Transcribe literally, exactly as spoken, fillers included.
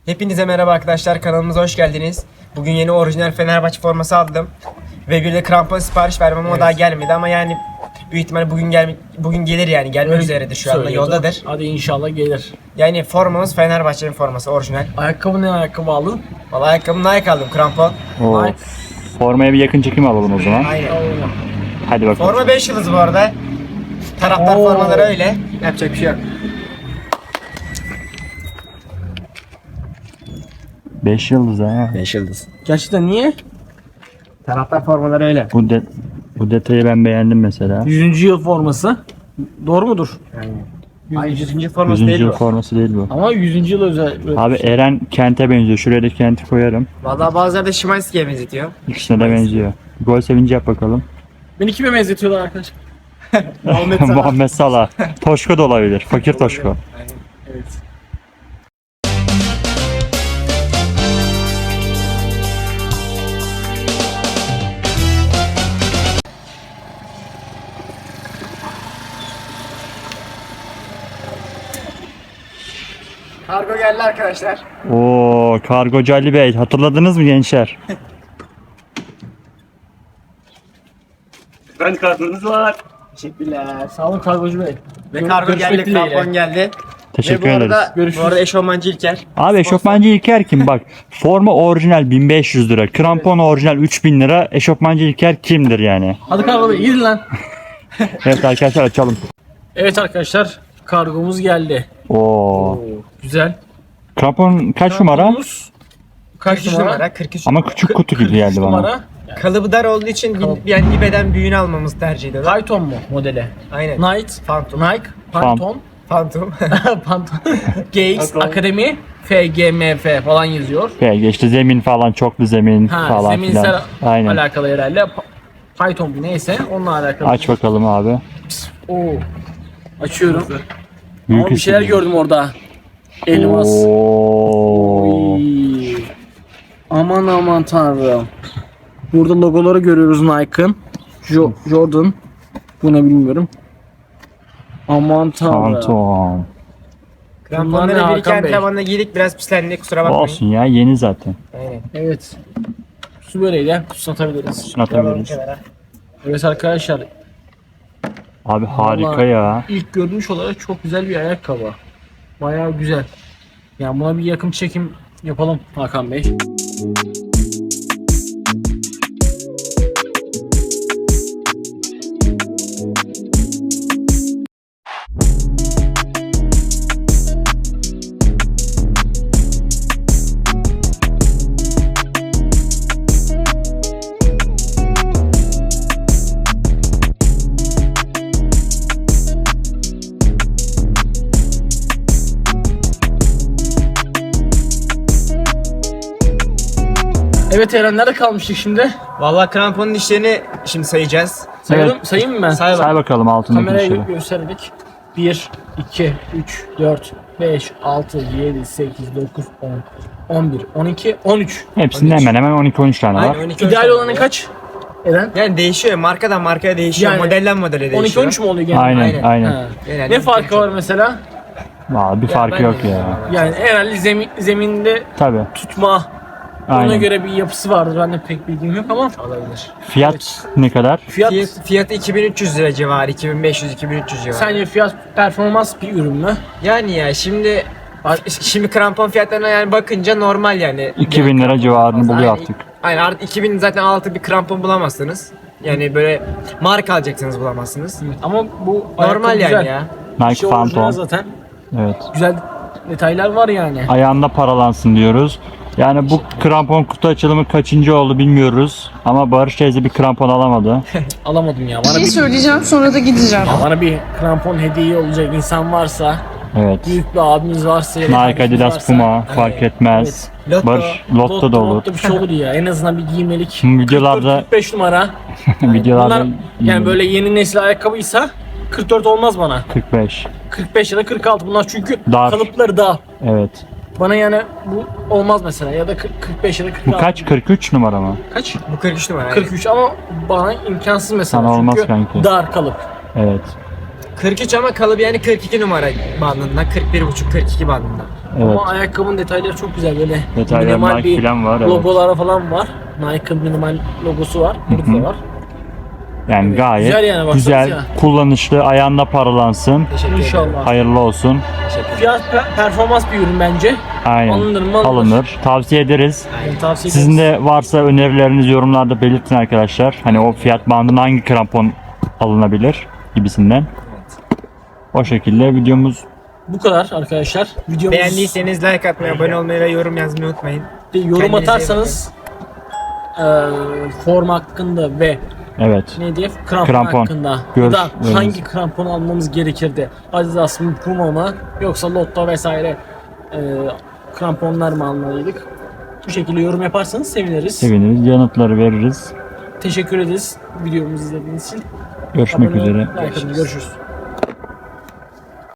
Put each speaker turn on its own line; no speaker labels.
Hepinize merhaba arkadaşlar, kanalımıza hoş geldiniz. Bugün yeni orijinal Fenerbahçe forması aldım. Ve bir de krampon sipariş vermem, evet. O daha gelmedi ama yani büyük ihtimalle bugün gel bugün gelir yani gelmek
Öyle
üzeredir şu anda, yoldadır.
Hadi inşallah gelir.
Yani formamız Fenerbahçe'nin forması orijinal.
Ayakkabı ne ayakkabı aldın?
Vallahi ayakkabımı Nike aldım, krampon.
Oo.
Nike.
Formaya bir yakın çekim alalım o zaman.
Aynen.
Hadi bakalım.
Forma beş yıldız bu arada. Taraftar
Oo.
formaları öyle. Yapacak bir şey yok.
beş yıldız ha.
beş yıldız.
Gerçekten niye?
Taraftar formaları öyle.
Bu de bu detayı ben beğendim mesela.
yüzüncü yıl forması. Doğru mudur?
Ay yüzüncü forması
yüzüncü
değil
yıl
bu.
forması değil bu.
Ama yüzüncü yıl özel.
Abi Eren Kent'e benziyor. Şuraya da Kent'i koyarım.
Vallahi bazıları da Şimanski'ye benzetiyor.
İkisine de benziyor. Gol sevinci yap bakalım.
Beni kime benzetiyorlar arkadaşlar?
Muhammed Salah.
Muhammed Salah. Toşko da olabilir. Fakir Toşko.
Evet.
Kargo geldi arkadaşlar.
Oo, Kargocu Ali Bey. Hatırladınız mı gençler?
Ben kargonuz var. Teşekkürler. Sağ olun kargocu bey.
Ve
Gör-
kargo
görüşmek
geldi,
dileğiyle.
krampon geldi.
Teşekkür
Ve bu
ederiz.
arada,
Görüşürüz.
bu arada eşofmancı İlker.
Abi eşofmancı İlker kim? Bak forma orijinal bin beş yüz lira. Krampon orijinal üç bin lira. Eşofmancı İlker kimdir yani?
Hadi kargo bey gidin lan.
Evet arkadaşlar açalım.
Evet arkadaşlar kargomuz geldi.
Oo.
Güzel.
Krampon kaç numara?
Kargomuz kaç
kırk üç
numara?
numara, kırk üç.
Ama küçük kutu gibi geldi bana.
Numara.
Kalıbı dar olduğu için
Kalıp.
yani bir beden büyüğünü almamızı tercih ediyorlar.
Python mu modeli?
Aynen.
Knight,
Phantom.
Nike, Phantom,
Phantom.
Phantom, G X Akademi, F G M F falan yazıyor.
Peki işte zemin falan, çoklu zemin
Ha,
falan
zeminsel
filan. Aynen.
alakalı herhalde. Pa- Python bu neyse onunla alakalı.
Aç bakalım abi.
Oo. Açıyorum.
Büyük
Ama bir şeyler
hissediyorum.
gördüm orada. Elmas.
Oo.
Oy. Aman aman tanrım. Burada logoları görüyoruz Nike'ın. Jo- Jordan. Bu ne bilmiyorum. Aman tanrım.
Phantom.
Kramponları
Bunlar ne
bir iki
Hakan Bey?
antrenmanda giydik, biraz pislendi, kusura bakmayın.
Olsun ya, yeni zaten.
Aynen.
Evet. Su böreğiyle atabiliriz.
Şunu atabiliriz.
Kenara.
Evet arkadaşlar.
Abi harika
Vallahi
ya.
İlk görünüş olarak çok güzel bir ayakkabı. Bayağı güzel. Yani buna bir yakın çekim yapalım Hakan Bey. Evet Eren nerede kalmıştık şimdi?
Vallahi kramponun dişlerini şimdi sayacağız.
Sayalım,
Evet.
sayayım mı ben?
Say
Say bakalım altındaki
Kameraya
dişleri.
gö- gösterdik. bir, iki, üç, dört, beş, altı, yedi, sekiz, dokuz, on, on bir, on iki, on üç.
Hepsinde hemen hemen on iki on üç tane var.
Aynen, on iki,
İdeal
on üç
olanı kaç? Eren?
Yani değişiyor, markadan markaya değişiyor,
Yani
modelden modele değişiyor.
on iki on üç mü oluyor genelde?
Aynen
Aynen.
aynen.
Ha.
Genelde
Ne farkı var mesela?
Vallahi bir farkı
ben
yok
de-
ya.
Yani herhalde zemin, zeminde
Tabi.
tutma, ona
Aynen.
göre bir yapısı vardır. Ben de pek bilgim yok ama
Olabilir.
Fiyat ne kadar?
fiyat,
Fiyat, fiyatı iki bin üç yüz lira civarı, iki bin beş yüz iki bin üç yüz civarı.
sence fiyat performans bir ürün mü?
Yani ya şimdi şimdi krampon fiyatlarına yani bakınca normal yani.
iki bin lira civarını buluyor artık.
Aynen, artık iki bin zaten altı bir krampon bulamazsınız. Yani böyle marka alacaksınız, bulamazsınız.
Ama bu
Normal
ayakkabı
yani
güzel.
ya.
Nike
İşte orijinal
Phantom.
zaten.
Evet.
Güzel detaylar var yani.
Ayağında paralansın diyoruz. Yani bu krampon kutu açılımı kaçıncı oldu bilmiyoruz. Ama Barış teyze bir krampon alamadı.
Alamadım ya.
Bir
Bana
şey
bir,
söyleyeceğim sonra da gideceğim.
bana bir krampon hediye olacak insan varsa,
Evet.
büyük bir abimiz varsa, ya da
Nike,
kardeşimiz
Adidas,
varsa,
Puma fark etmez.
Lotto.
Barış Lotto da olur.
Lotto bir şey olur ya. En azından bir giymelik.
Videolarda-
kırk beş numara.
Videolarda
Bunlar yani böyle yeni nesil ayakkabıysa kırk dört olmaz bana.
kırk beş.
kırk beş ya da kırk altı bunlar çünkü
Dar.
kalıpları dar.
Evet.
Bana yani bu olmaz mesela ya da kırk, kırk beş ya da kırk altı.
Bu kaç? kırk üç numara mı?
Kaç?
Bu kırk üç numara.
kırk üç ama bana imkansız mesela
Sana olmaz
çünkü
kanki.
dar kalıp.
Evet.
kırk üç ama kalıbı yani kırk iki numara bandında, kırk bir buçuk kırk iki bandında.
Evet.
Ama ayakkabının detayları çok güzel böyle.
Detaylar
minimal
Nike
bir
falan var, evet.
logoları falan var. Nike'ın minimal logosu var. Burada da var.
Yani
Evet,
gayet
güzel yani, baksanıza
güzel,
ya.
kullanışlı, ayağında paralansın.
Teşekkür ederim.
İnşallah.
Hayırlı olsun.
Teşekkür ederim.
Fiyat per- performans bir ürün bence.
Aynen.
Alınır mı? Alınır.
Alınır. Tavsiye ederiz.
Yani tavsiye
Sizin
ederiz.
de varsa önerilerinizi yorumlarda belirtin arkadaşlar. Hani o fiyat bandına hangi krampon alınabilir gibisinden. O şekilde videomuz
Bu kadar arkadaşlar. Videomuz
Beğendiyseniz like atmayı, abone olmayı ve yorum yazmayı unutmayın.
bir yorum
Kendinize iyi
atarsanız e, form hakkında ve
evet.
ne diye krampon,
Krampon.
hakkında ya
Görüş-
da
evet.
hangi krampon almamız gerekirdi? Adidas mı, Puma mı yoksa Lotto vesaire e, kramponlar mı almalıydık? Bu şekilde yorum yaparsanız seviniriz.
Seviniriz. Yanıtları veririz.
Teşekkür ederiz videomuzu izlediğiniz için.
Görüşmek
Abone olun,
üzere.
like atın. Görüşürüz.